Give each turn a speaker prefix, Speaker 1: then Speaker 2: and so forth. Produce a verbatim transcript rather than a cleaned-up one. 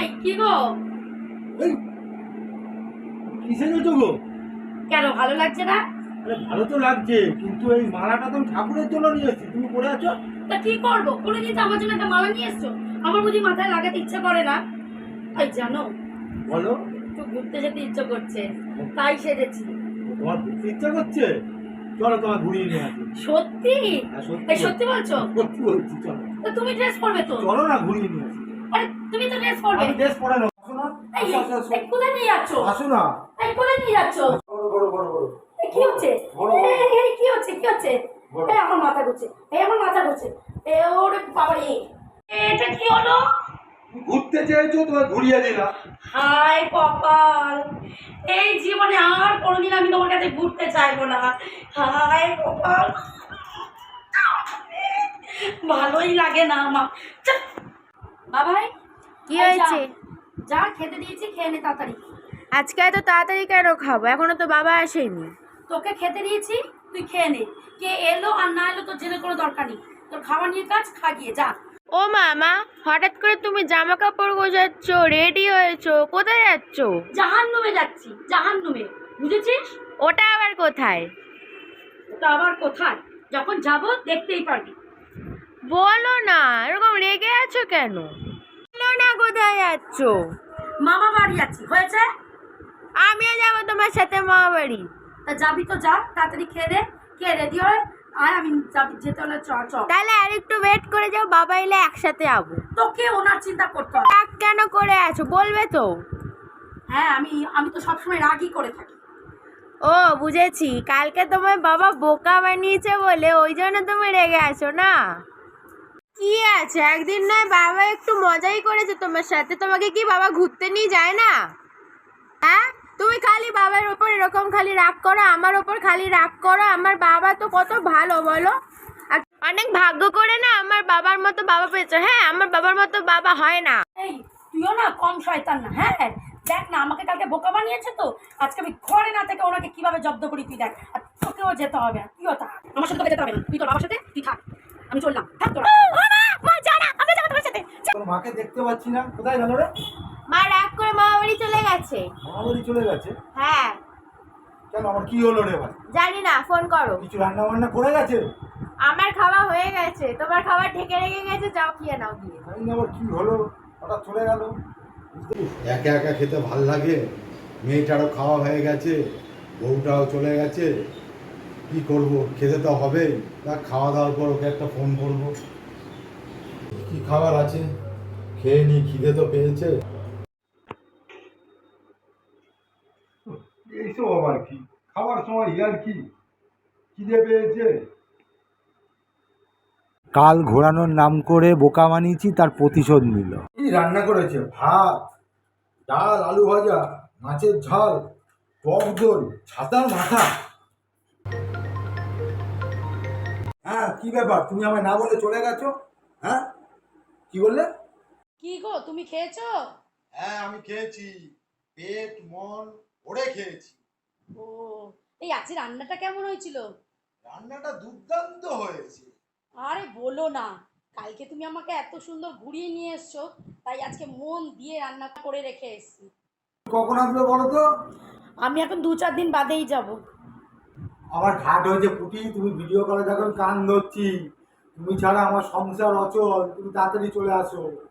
Speaker 1: কি গো?
Speaker 2: এই কিসে গেছো গো?
Speaker 1: কেন ভালো লাগছে না?
Speaker 2: আরে ভালো তো লাগছে, কিন্তু এই মালাটা তো ঠাকুরের জন্য নিয়ে এসেছি, তুমি পরে আছো।
Speaker 1: তা কি করবো? কোনোদিন তো আমার জন্য একটা মালা নিয়ে এসছো। আমার বুঝি মাথায় লাগাতে ইচ্ছে করে না? এই জানো,
Speaker 2: বলো।
Speaker 1: একটু ঘুরতে যেতে ইচ্ছে করছে, তাই সেজেছি।
Speaker 2: তোমার ঘুরতে ইচ্ছা করছে? চলো তোমার ঘুরিয়ে নিয়ে আসি।
Speaker 1: সত্যি?
Speaker 2: হ্যাঁ, সত্যি
Speaker 1: এই সত্যি বলছো?
Speaker 2: সত্যি বলছি, চলো।
Speaker 1: তা তুমি ড্রেস পরবে তো?
Speaker 2: চলো না, ঘুরিয়ে নিয়ে আসি।
Speaker 1: আরে তুমি তো ড্রেস পরবে।
Speaker 2: আমি ড্রেস পরে নেবো, আসো না।
Speaker 1: এই
Speaker 2: আসো, আসো, আসো।
Speaker 1: এই, কোথায় নিয়ে যাচ্ছ?
Speaker 2: আসো না।
Speaker 1: এই কোথায় নিয়ে যাচ্ছ?
Speaker 2: বড় বড় বড় বড়।
Speaker 1: এই কি হচ্ছে?
Speaker 2: বড়, বড়।
Speaker 1: এই এই, কি হচ্ছে কি হচ্ছে?
Speaker 2: বড়।
Speaker 1: এই আমার মাথা ঘুরছে, এই আমার মাথা ঘুরছে। এ ওরে বাবা রে, এটা কি হলো?
Speaker 2: ঘুরতে চেয়েছো, তোমার ঘুরিয়ে দিলাম।
Speaker 1: হায় কপাল, এই জীবনে আর কোনোদিন আমি তোমার কাছে ঘুরতে চাইবো না। হায় কপাল, ভালোই লাগে না আমার। চাপ। বাবাই,
Speaker 3: কি
Speaker 1: এই যা,
Speaker 3: হয়েছে?
Speaker 1: যা খেতে দিয়েছি, খেয়ে নে তাড়াতাড়ি।
Speaker 3: আজকে এত তাড়াতাড়ি কেন খাবো? এখনো তো বাবা আসেনি।
Speaker 1: তোকে খেতে দিয়েছি, তুই খেয়ে নে। কে এলো আর না এলো তোর জেনে কোনো দরকার নেই। তোর খাবার নিয়ে কাজ, খা গিয়ে যা।
Speaker 3: ও মামা, হঠাৎ করে তুমি জামা কাপড় গোছাচ্ছ, রেডি হয়েছো, কোথায় যাচ্ছ?
Speaker 1: জাহান্নুমে যাচ্ছি, জাহান্নুমে, বুঝেছিস?
Speaker 3: ওটা আবার কোথায়?
Speaker 1: ওটা আবার কোথায়? যখন যাব দেখতেই পারবি।
Speaker 3: বলো না, এরকম রেগে আছো কেন? বলো না কোথায় যাচ্ছ।
Speaker 1: মামা বাড়ি যাচ্ছি, হয়েছে?
Speaker 3: আমিও যাবো তোমার সাথে মামা বাড়ি।
Speaker 1: তা যাবি তো যা, তাড়াতাড়ি খেয়ে দে, খেয়ে রেডি হয় আর আমি যাবি, যেতে হলে চ চ।
Speaker 3: তাহলে আর একটু ওয়েট করে যাও, বাবা এলে একসাথে যাবো।
Speaker 1: তোকে ওনার চিন্তা করতে হবে।
Speaker 3: রাগ কেন করে আছো, বলবে তো?
Speaker 1: হ্যাঁ, আমি আমি তো সবসময় রাগই করে থাকি।
Speaker 3: ও বুঝেছি, কালকে তোমার বাবা বোকা বানিয়েছে বলে ওই জন্য তুমি রেগে আছো না? কি আছে, একদিন নয় বাবা একটু মজাই করেছে তোমার সাথে, তোমাকে কি বাবা ঘুরতে নিয়ে যায় না? হ্যাঁ, তুমি খালি বাবার ওপর এরকম খালি রাগ করো, আমার ওপর খালি রাগ করো। আমার বাবা তো কত ভালো বলো, আর অনেক ভাগ্য করে না আমার বাবার মতো বাবা পেয়েছো। হ্যাঁ, আমার বাবার মতো বাবা হয় না।
Speaker 1: এই তুইও না কম শয়তান না। হ্যাঁ, দেখ না, আমাকে কালকে বোকা বানিয়েছে তো, আজকে আমি ঘরে না থেকে ওনাকে কিভাবে জব্দ করি তুই দেখ। আর তোকেও যেতে হবে না, তুইও থাক, আমার সাথে তোকে যেতে হবে না। তুই তোর বাবার সাথে তুই থাক, আমি চললাম, থাক তোরা।
Speaker 2: তোর মাকে দেখতে পাচ্ছি না, কোথায় গেল রে?
Speaker 3: মা রাগ করে মামা বাড়ি চলে গেছে।
Speaker 2: মামা বাড়ি চলে গেছে?
Speaker 3: হ্যাঁ।
Speaker 2: কেন, আমার কি হলো রে ভাই?
Speaker 3: জানি না, ফোন করো।
Speaker 2: কিছু রান্না বান্না করে গেছে?
Speaker 3: আমার খাওয়া হয়ে গেছে, তোমার খাবার ঢেকে রেখে গেছে, যাও খেয়ে নাও গিয়ে।
Speaker 2: জানি না আবার কি হলো, হঠাৎ চলে গেল। একা একা খেতে ভাল লাগে, মেয়েটারও খাওয়া হয়ে গেছে, বউটাও চলে গেছে, কি করব, খেতে তো হবে। তা খাওয়া দাওয়ার পর ওকে একটা ফোন করব। কি খাবার আছে, খেয়ে নি, খিদে তো পেয়েছে। এইসব আবার কি, খাবার সময় ইয়ার কি, খিদে পেয়েছে। কাল ঘোরানোর নাম করে বোকা বানিয়েছি, তার প্রতিশোধ নিল। কি রান্না করেছে? ভাত, ডাল, আলু ভাজা, মাছের ঝাল, টক দই, ছাতার মাথা। হ্যাঁ, কি ব্যাপার, তুমি আমায় না বলে চলে গেছো? হ্যাঁ, কি বললে?
Speaker 1: কি গো, তুমি খেয়েছো?
Speaker 4: হ্যাঁ, আমি খেয়েছি, পেট মন ভরে খেয়েছি।
Speaker 1: ও, এই আজকে রান্নাটা কেমন হয়েছিল?
Speaker 4: রান্নাটা দুর্দান্ত হয়েছে।
Speaker 1: আরে বলো না, কালকে তুমি আমাকে এত সুন্দর ঘুরিয়ে নিয়ে এসছো, তাই আজকে মন দিয়ে রান্না করে রেখে এসেছি।
Speaker 2: কখন আসবে বলো তো?
Speaker 1: আমি এখন দু চার দিন বাদেই যাব।
Speaker 2: আমার ঘাট হয়েছে পুটি, তুমি ভিডিও কলে দেখো, কান ধরছি। তুমি ছাড়া আমার সংসার অচল, তুমি তাড়াতাড়ি চলে আসো।